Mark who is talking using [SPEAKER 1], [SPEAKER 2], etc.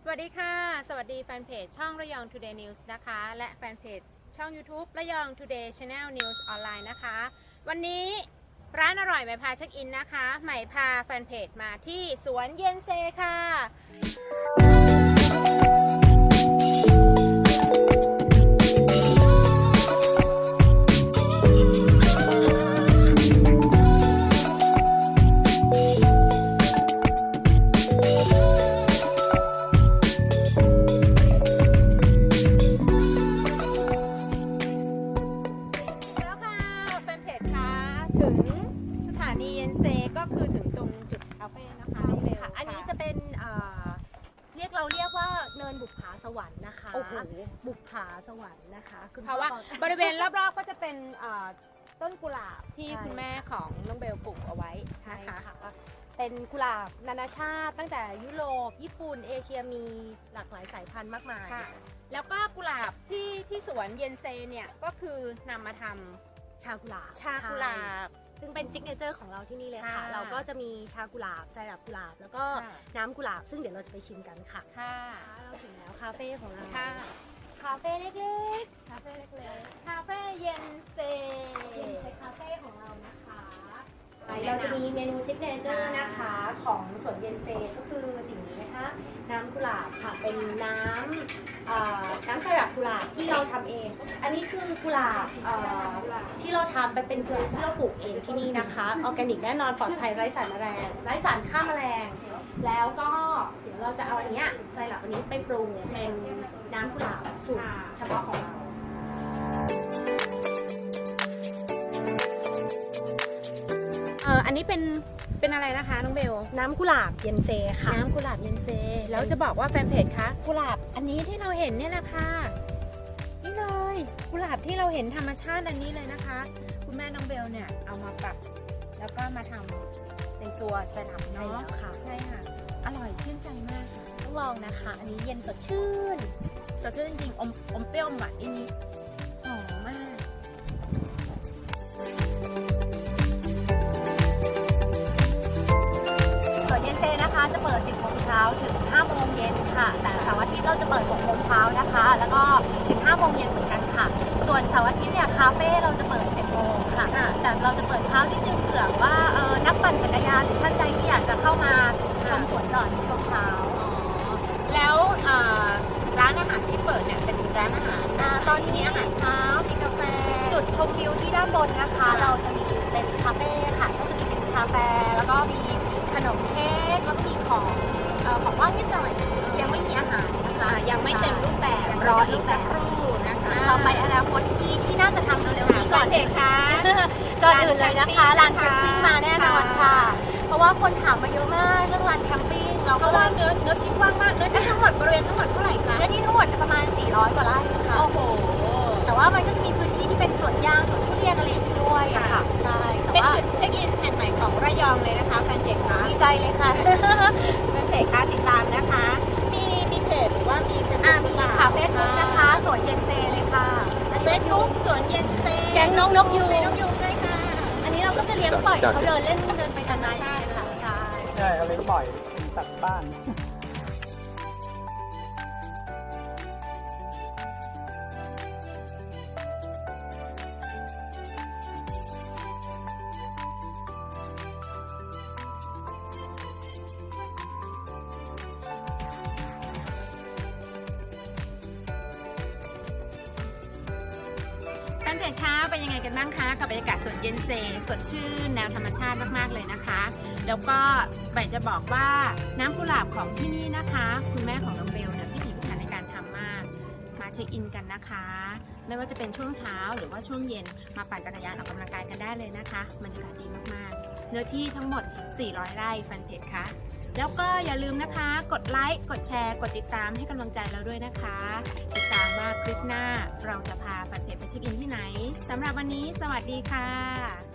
[SPEAKER 1] วัสดีค่ะสวัสดีแฟนเพจช่องระยอง Today News นะคะและแฟนเพจช่อง YouTube ระยอง Today Channel News ออนไลน์นะคะวันนี้ร้านอร่อยใหม่พาเช็คอินนะคะใหม่พาแฟนเพจมาที่สวนเย็นเซค่ะถึงสถานีเย็นเซก็คือถึงตรงจุดคาเฟ่นะคะน้องเบล
[SPEAKER 2] อันนี้จะเป็นเรียกว่าเนินบุปผาสวรรค์นะคะ
[SPEAKER 1] โอ้โห
[SPEAKER 2] บุปผาสวรรค์นะคะ
[SPEAKER 1] เพราะว่าบริเวณรอบๆก็จะเป็นต้นกุหลาบที่คุณแม่ของน้องเบลปลูกเอาไว้นะคะ
[SPEAKER 2] เป็นกุหลาบนานาชาติตั้งแต่ยุโรปญี่ปุ่นเอเชียมีหลากหลายสายพันธุ์มากมาย
[SPEAKER 1] แล้วก็กุหลาบที่สวนเย็นเซเนี่ยก็คือนำมาทำ
[SPEAKER 2] ชากุหลาบซึ่งเป็นซิกเนเจอร์ของเราที่นี่เลยค่ะเราก็จะมีชากุหลาบไซรัปกุหลาบแล้วก็น้ำกุหลาบซึ่งเดี๋ยวเราจะไปชิมกันค่ะเราถึงแล้วคาเฟ่ของเราคาเฟ่เล็กๆคาเฟ่
[SPEAKER 1] เย็นเซ
[SPEAKER 2] คาเฟ่ของเรานะคะเราจะมีเมนูซิกเนเจอร์นะคะของสวนเย็นเซก็คือสิ่งนี้นะคะน้ำกุหลาบค่ะเป็นน้ำไซรัปกุหลาบที่เราทำเองอันนี้คือกุหลาบที่เราทำไปเป็นกุหลาบที่เราปลูกเองที่นี่นะคะออร์แกนิกแน่นอนปลอดภัยไร้สารแมลงไร้สารฆ่าแมลงแล้วก็เดี๋ยวเราจะเอาอันนี้ไซรัปอันนี้ไปปรุงเป็นน้ำกุหลาบสูตรเฉพาะของเรา
[SPEAKER 1] อันนี้เป็นอะไรนะคะน้องเบล
[SPEAKER 2] น้ำกุหลาบเย็นเซค่ะ
[SPEAKER 1] น้ำกุหลาบเย็นเซแล้วจะบอกว่าแฟนเพจคะกุหลาบอันนี้ที่เราเห็นเนี่ยนะคะนี่เลยกุหลาบที่เราเห็นธรรมชาติอันนี้เลยนะคะคุณแม่น้องเบลเนี่ยเอามาปรับแล้วก็มาทำเป็นตัวไซรัปเนาะ
[SPEAKER 2] ค่ะ
[SPEAKER 1] ใช่ค่ะอร่อยชื่นใจมากค่ะ
[SPEAKER 2] ต้องลองนะคะอันนี้เย็นสดชื่น
[SPEAKER 1] จริงๆอมเปรี้ยวหวานนิดหอมมาก
[SPEAKER 2] เย็นเซนะคะจะเปิด 10 โมงเช้าถึง 5 โมงเย็นค่ะแต่เสาร์อาทิตย์เราจะเปิด 6 โมงเช้านะคะแล้วก็ถึง 5 โมงเย็นเหมือนกันค่ะส่วนเสาร์อาทิตย์เนี่ยคาเฟ่เราจะเปิด 7 โมงค่ะแต่เราจะเปิดเช้านิดนึงเผื่อว่านักปั่นจักรยานหรือท่านใดที่อยากจะเข้ามาชมสวนก่อนในช่วงเช้า
[SPEAKER 1] แล้วร้านอาหารที่เปิดเนี่ยเป็นร้านอาหาร
[SPEAKER 2] ตอนนี้
[SPEAKER 1] อาหารเช้ามีกาแฟ
[SPEAKER 2] จุดชมวิวที่ด้านบนนะคะเราจะมีเป็นคาเฟ่ค่ะก็จะมีเป็นกาแฟแล้วก็มีขนมเค้กแล้วก็มีของว่างนิดหน่อยยังไม่มีอาหารนะคะ
[SPEAKER 1] ยังไม่เต็มรูปแบบรออีกสักครู่นะคะ
[SPEAKER 2] เราไปอนาคตที่น่าจะทำเร็วๆนี้ก่อน
[SPEAKER 1] เด็กค่ะ
[SPEAKER 2] ก่อนอื่นเลยนะคะลานแคมปิ้งมาแน่นอนค่ะเพราะว่าคนถามมาเยอะมากเรื่องลานแคมปิ้ง
[SPEAKER 1] เพราะว่าเนื้อที่กว้างมากเนื้อที่ทั้งหมดบริเวณทั้งหมดเท่าไหร่คะ
[SPEAKER 2] เนื้อที่ทั้งหมดประมาณ400 กว่าไร่ค่ะ
[SPEAKER 1] โอ้โห
[SPEAKER 2] แต่ว่ามันก็จะมีพื้นที่ที่เป็นสวนยางสวนทุเรียนอะไรอย่างนี้ด้วยค่ะใช่
[SPEAKER 1] เป็นจุดเช็คอินแห่งใหม่ของระยองเลยนะคะแฟนเพจค่ะ
[SPEAKER 2] ดีใจเลยค่ะ
[SPEAKER 1] แฟนเพจค่ะติดตามนะคะมีเพจหรือว่ามี
[SPEAKER 2] ค่ะเฟซบุ๊กนะคะสวนเย็นเซเลยค่ะ
[SPEAKER 1] เฟซบุ๊กสวนเย็นเซ
[SPEAKER 2] แก๊งนกยูง
[SPEAKER 1] ด้วยค่ะ
[SPEAKER 2] อันนี้เราก็จะเลี้ยงปล่อยเขาเดินเล่นเดินไปตามนาค่ะ
[SPEAKER 3] ใช่เขาเลี้ยงปล่อยเป็นสัตว์บ้าน
[SPEAKER 1] แฟนเพจคะเป็นยังไงกันบ้างคะกับบรรยากาศสวนเย็นเซสดชื่นแนวธรรมชาติมากๆเลยนะคะแล้วก็ใบจะบอกว่าน้ำกุหลาบของที่นี่นะคะคุณแม่ของน้องเบลเนี่ยพิถีพิถันในการทำมากมาเช็คอินกันนะคะไม่ว่าจะเป็นช่วงเช้าหรือว่าช่วงเย็นมาปั่นจักรยานออกกำลังกายกันได้เลยนะคะบรรยากาศดีมากๆเนื้อที่ทั้งหมด400 ไร่แฟนเพจคะแล้วก็อย่าลืมนะคะกดไลค์กดแชร์กดติดตามให้กำลังใจเราด้วยนะคะติดตามว่าคลิปหน้าเราจะพาแฟนเพจไปเช็คอินที่ไหนสำหรับวันนี้สวัสดีค่ะ